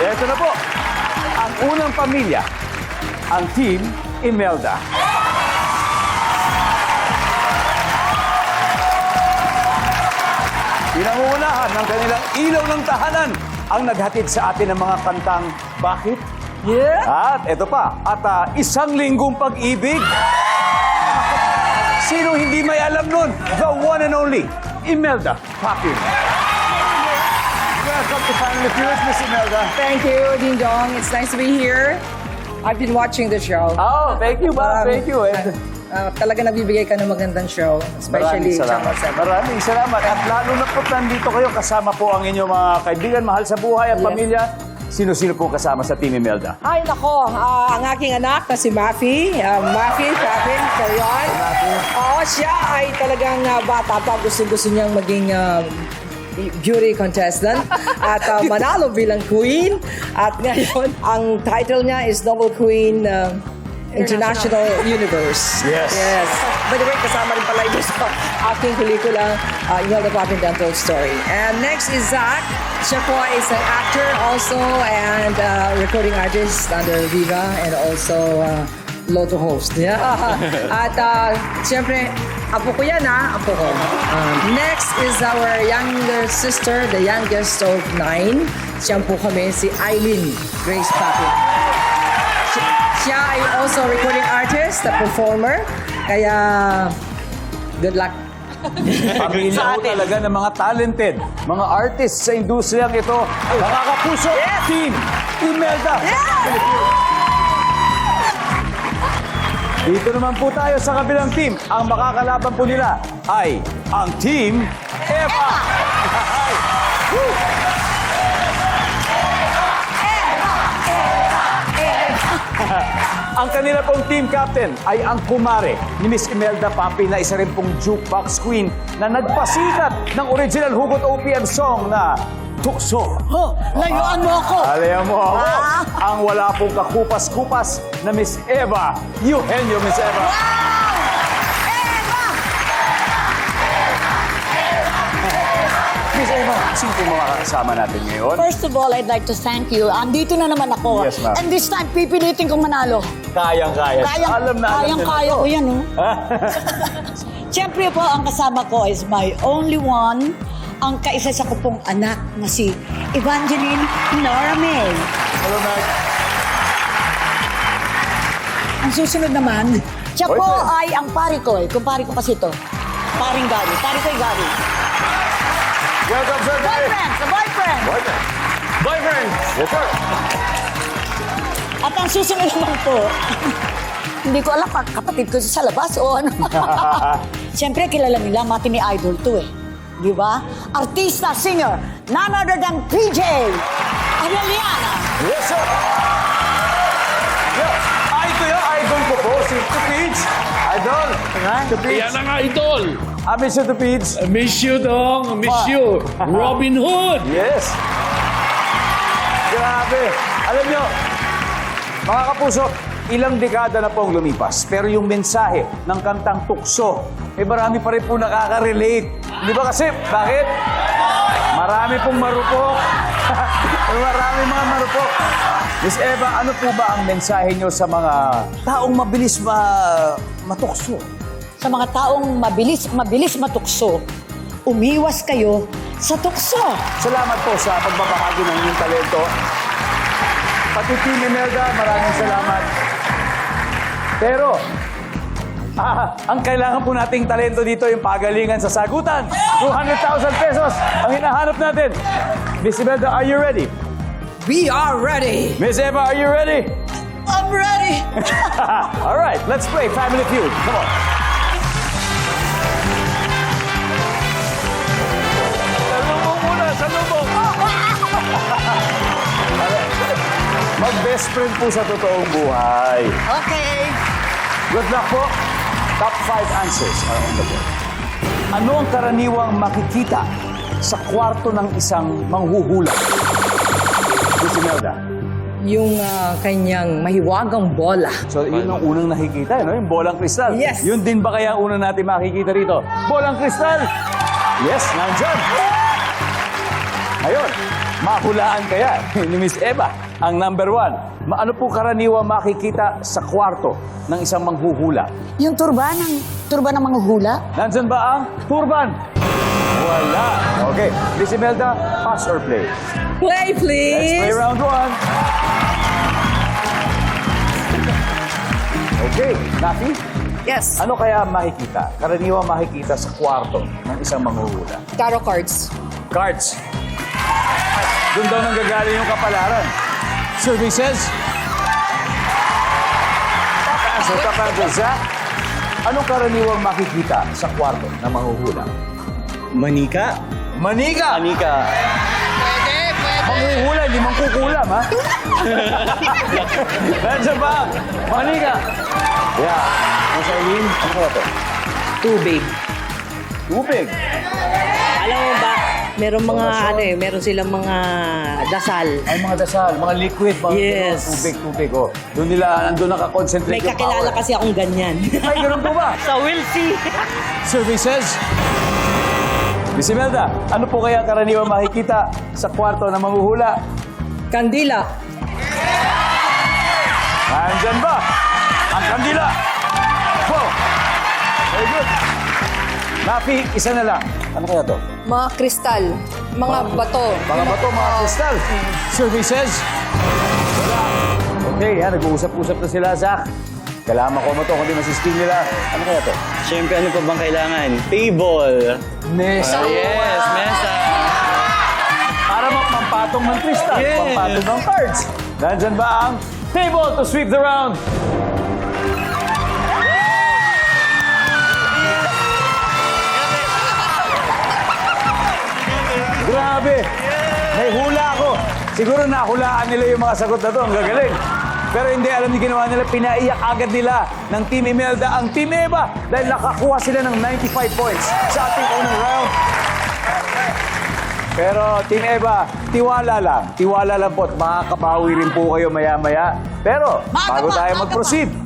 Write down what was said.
Ito na po, ang unang pamilya, ang Team Imelda. Pinangungunahan ng kanilang ilaw ng tahanan ang naghatid sa atin ng mga kantang Bakit? Yeah. At ito pa, isang linggong pag-ibig. Sino hindi may alam nun? The one and only, Imelda Papin. Welcome to Family Feud, Miss Imelda. Thank you, Ding Dong. It's nice to be here. I've been watching the show. Oh, thank you, ba? Thank you. Talaga nabibigay ka ng magandang show. Especially Maraming salamat. Maraming salamat. At lalo na po nandito kayo, kasama po ang inyong mga kaibigan, mahal sa buhay at Yes. pamilya. Sino-sino po kasama sa Team Imelda? Ay, nako. Ang aking anak na si Mafi. Mafi, Papin, Carrion. Oo, siya ay talagang bata pa. Gusto niyang maging beauty contestant. At manalo bilang queen. At ngayon, ang title niya is Noble Queen International Universe. Yes. Yes. By the way, kasama rin pala ito sa aking pelikula, Imelda Papin Untold Story. And next is Zach. Siya po is an actor also and recording artist under Viva and also Lotto host. Yeah. At siyempre, apo ko yan apo ko. Next is our younger sister, the youngest of 9. Siya po kami, si Eileen Grace Papin. Siya ay also recording artist, a performer. Kaya, good luck. Pamilya po talaga ng mga talented, mga artists sa industriyang ito. Mga kapuso, Team Imelda. Dito naman po tayo sa kabilang team. Ang makakalaban po nila ay ang Team Eva. Ang kanila pong team captain ay ang kumare ni Miss Imelda Papin na isa rin pong jukebox queen na nagpasikat ng original hugot OPM song na Tukso. Layuan mo ako! Alayan mo ako. Ang wala pong kakupas-kupas na Miss Eva Eugenio, Miss Eva. Miss Eva, sino po mga kasama natin ngayon? First of all, I'd like to thank you. Andito na naman ako. Yes, ma'am. And this time, pipilitin kong manalo. Kayang-kaya. Alam na alam Kayang-kaya ko yan, oh. Siyempre po, ang kasama ko is my only one, ang kaisa sa ko pong anak na si Evangeline Nora May. Hello, Mac. Ang susunod naman, siya po Boyfriend. ay ang pari ko eh. Kumpari ko kasi ito. Paring Gary. Pari ko yung Gary. Welcome, sir. Boyfriend! Sa boyfriend! Boyfriend. Boyfriend. Yes, sir. At ang susunod naman po, hindi ko alam kapatid ko sa labas o ano. Siyempre, kilala nila, mati ni Idol to eh. Di ba? Artista, singer, none other than PJ Arellana. Yes, sir. Yeah. Ito yung idol ko po, si Tupij. Idol. Tupij. Yan ang idol. Miss you, Tupij. Miss you, Dong. Miss you. Robin Hood. Yes. Grabe. Alam nyo, mga kapuso, ilang dekada na pong lumipas. Pero yung mensahe ng kantang Tukso, marami pa rin po nakaka-relate. Di ba kasi? Bakit? Marami pong marupok. Marami mga marupok. Miss Eva, ano po ba ang mensahe nyo sa mga taong mabilis matukso? Sa mga taong mabilis matukso, umiwas kayo sa tukso. Salamat po sa pagbabahagi ng inyong talento. Pati Team Imelda, maraming salamat. Pero, ang kailangan po nating talento dito yung pagalingan sa sagutan. 200,000 pesos ang hinahanap natin. Miss Imelda, are you ready? We are ready! Miss Eva, are you ready? I'm ready! All right, let's play Family Feud. Come on. Salubong muna, salubong. Mag-best friend po sa totoong buhay. Okay. Good luck po. Top 5 answers are on the board. Ano ang karaniwang makikita sa kwarto ng isang manghuhula? Miss Imelda. Yung kanyang mahiwagang bola. So, yun ang unang nakikita, no? Yung bolang kristal. Yes. Yun din ba kaya ang unang natin makikita rito? Bolang kristal! Yes, nandyan. Ngayon, mahulaan kaya ni Miss Eva ang number 1. Ano po karaniwang makikita sa kwarto ng isang manghuhula? Yung turban ng mga hula. Nandyan ba ang turban? Wala. Okay. Miss Imelda, pass or play? Play, Let's play please. round 1. Okay, Nafi, Yes. ano kaya makikita? Karaniwang makikita sa kwarto ng isang manghuhula? Tarot cards. Cards. Doon daw nanggagaling yung kapalaran. Survey says... Pass or kapag Zach, anong karaniwang makikita sa kwarto ng manghuhula? Manika? Manika! Manika. Manghuhula, hindi mangkukulam, ha? Nandiyan ba? Manika! Yeah. Mas Eileen, ano kaya to? Tubig. Tubig. Alam mo ba, meron silang mga dasal. Ay, mga dasal, mga liquid, mga Yes. tubig. Oh. Doon nandun nakakonsentrate May yung kakilala power. kasi akong ganyan. Ay, ganun po ba? Sa Wilsey. Survey says... Miss Imelda, ano po kaya karaniwang makikita sa kwarto ng manghuhula? Kandila. Nandyan ba? Ang kandila! Wow! Very good. Nafi, isa na lang. Ano kaya to? Mga kristal. Mga bato. Mga bato, mga kristal. Survey says... Wala. Okay, yan. Nag-uusap-usap na sila, Zach. Kailangan makuha mo to, kundi masisting nila. Ano kaya to? Siyempre, ano pa bang kailangan? Table. Mesa. Yes, mesa. Para mapampatong ng kristal, Yes. pampatong ng cards. Nandyan ba ang table to sweep the round? Grabe! May hula ako. Siguro nahulaan nila yung mga sagot na to. Ang gagaling. Pero hindi, alam niyo ginawa nila, pinaiyak agad nila ng Team Imelda ang Team Eva dahil nakakuha sila ng 95 points sa ating unang round. Pero Team Eva, tiwala lang. Tiwala lang po at makakabawi rin po kayo maya-maya. Pero bago tayo mag-proceed,